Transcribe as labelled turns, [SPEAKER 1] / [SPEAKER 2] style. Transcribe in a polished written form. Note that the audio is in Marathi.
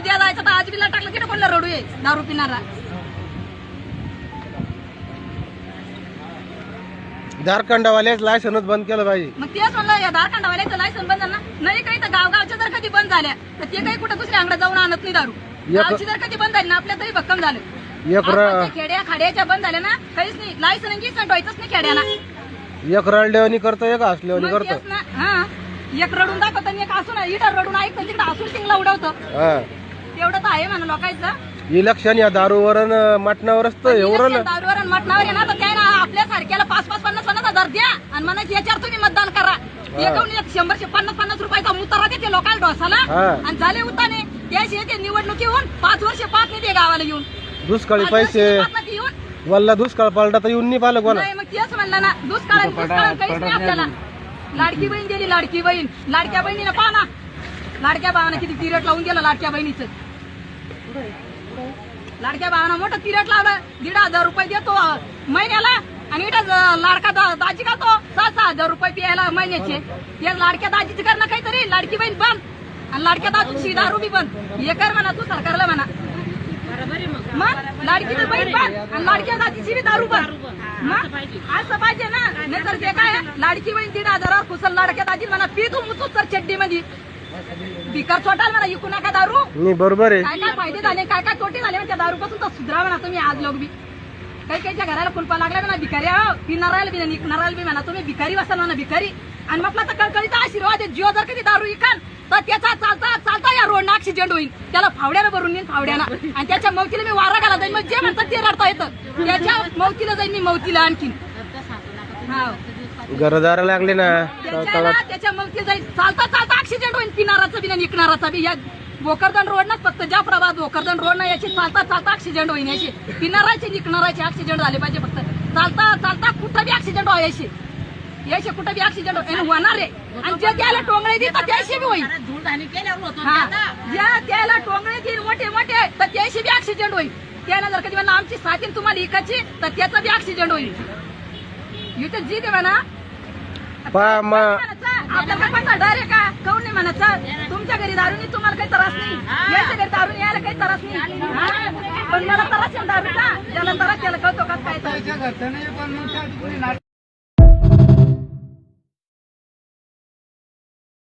[SPEAKER 1] उद्या जायचं तर आज बिला टाकलं की कोणाला रडू ये दारू पिणारा.
[SPEAKER 2] झारखंडवाल्याच लायसनच बंद केलं पाहिजे.
[SPEAKER 1] मग तेच म्हणलं या झारखंडवाल्याचं लायसन बंद झालं ना. नाही काही तर गावगावच्या जर कधी बंद झाल्या तर ते काही कुठं दुसऱ्या अंगडात जाऊन आणत नाही दारू. गावची जर कधी बंद झाली ना आपल्या तरी भक्कम झालं. खेड्या खाड्याच्या बंद झाल्या ना काहीच नाही. लायसन गिसन व्हायचंच नाही खेड्याला.
[SPEAKER 2] एक रडलेवणी करतो एक हसलेवणी करतो.
[SPEAKER 1] हा एक रडून दाखवत आणि एक हसून इथं रडून ऐकतं तिकडे हसून शिंगला उडवतं. तेवढं तर आहे म्हणा लोकांचं.
[SPEAKER 2] इलेक्शन या दारूवर मटणावरच तर एवढं
[SPEAKER 1] दारूवर आणि मटणावर आहे ना तर काय ना आपल्या सारख्याला 5,000-50,000 द्या आणि म्हणा याच्यावर तुम्ही मतदान करा. एक 100-50 रुपयाचा मुतारा देते लोकांना ढोसाला आणि झाले उताने त्याशी ते निवडणुकीहून 5 वर्ष पाच नाही ते गावाला येऊन.
[SPEAKER 2] दुष्काळी पैसे वल्ला दुष्काळ पालटा तर येऊन नाही पाहिलं कोणा.
[SPEAKER 1] मग तेच म्हणलं ना दुष्काळ काहीच नाही आपल्याला. लाडकी बहीण दिली लाडकी बहीण. लाडक्या बहिणीनं पहा ना लाडक्या भावानं किती तिरट लावून गेलं लाडक्या बहिणीचं. लाडक्या भावानं मोठं तिरट लावलं. 1,500 रुपये देतो महिन्याला आणि इथं लाडका दाजी का तो 6,000 रुपये प्यायला महिन्याचे. ते लाडक्या दाजीचं करणं काहीतरी. लाडकी बहीण बंद आणि लाडक्या दाजीची दारू बी बंद. हे कर म्हणा तू सरकारला म्हणा. मग लाडकीची बहीण बंद आणि लाडक्या दाजीची बी दारू बंद. मग असं पाहिजे ना. नाहीतर ते काय लाडकी बहीण 1,500 कुसल लाडक्या दाजी म्हणा पी तू मुतूच तर चड्डी मध्ये बिकर चोटाल म्हणा इकू नका दारू.
[SPEAKER 2] नाही बरोबर आहे.
[SPEAKER 1] काय काय फायदे झाले काय काय तोटे झाले त्या दारू पासून तर सुधरा म्हणा तुम्ही. आज लोक बी काही काहीच्या घराला कुलपा लागला म्हणा भिकारी पिणारायला बी निघणारायला बी म्हणा तुम्ही भिकारी बसाल म्हणा भिकारी. आणि म्हटलं तर कळकळीचा आशीर्वाद आहे. जिओ जर कधी दारू इकाल तर त्याचा चालता चालता या रोडनं ऍक्सिडेंट होईल. त्याला फावड्यानं भरून येईल फावड्यानं आणि त्याच्या मौतीला मी वारा घाला जाईल. मग जे म्हणतात ते रडता येतं त्याच्या मौतीला जाईल मी मौतीला आणखीन.
[SPEAKER 2] घरदार लागले ना
[SPEAKER 1] त्याच्या मौतीला जाईल. चालता चालता ऍक्सिडेंट होईल पिणाराचा बी आणि इकणाराचा बी. या भोकरदन रोड ना फक्त ज्या प्रभात भोकरदन रोड ना याची चालता चालता ऍक्सिडेंट होईल. याची पिणाराचे निकणाराचे ऍक्सिडेंट झाले पाहिजे. फक्त चालता चालता कुठं बी ऍक्सिडेंट व्हायचे याचे कुठं बी ऍक्सिडेंट होणार आहे. आणि जे त्याला टोंगळे देतात त्याशी बी होईल. त्याला टोंगळे देईल मोठे मोठे तर त्याशी बी ऍक्सिडेंट होईल. त्याला जर कधी म्हणा आमची साथीन तुम्हाला इकायची तर त्याचा बी ऍक्सिडेंट होईल. इथे जी दे म्हणा आपल्याला पैसा डायरेक्ट का काऊन नाही म्हणायचं. तुमच्या घरी दारूनी तुम्हाला काही त्रास नाही. याच्या घरी दारून यायला काही त्रास नाही. पण मला त्रास आहे दारूचा. ज्याला त्रास त्याला कळतो का काय.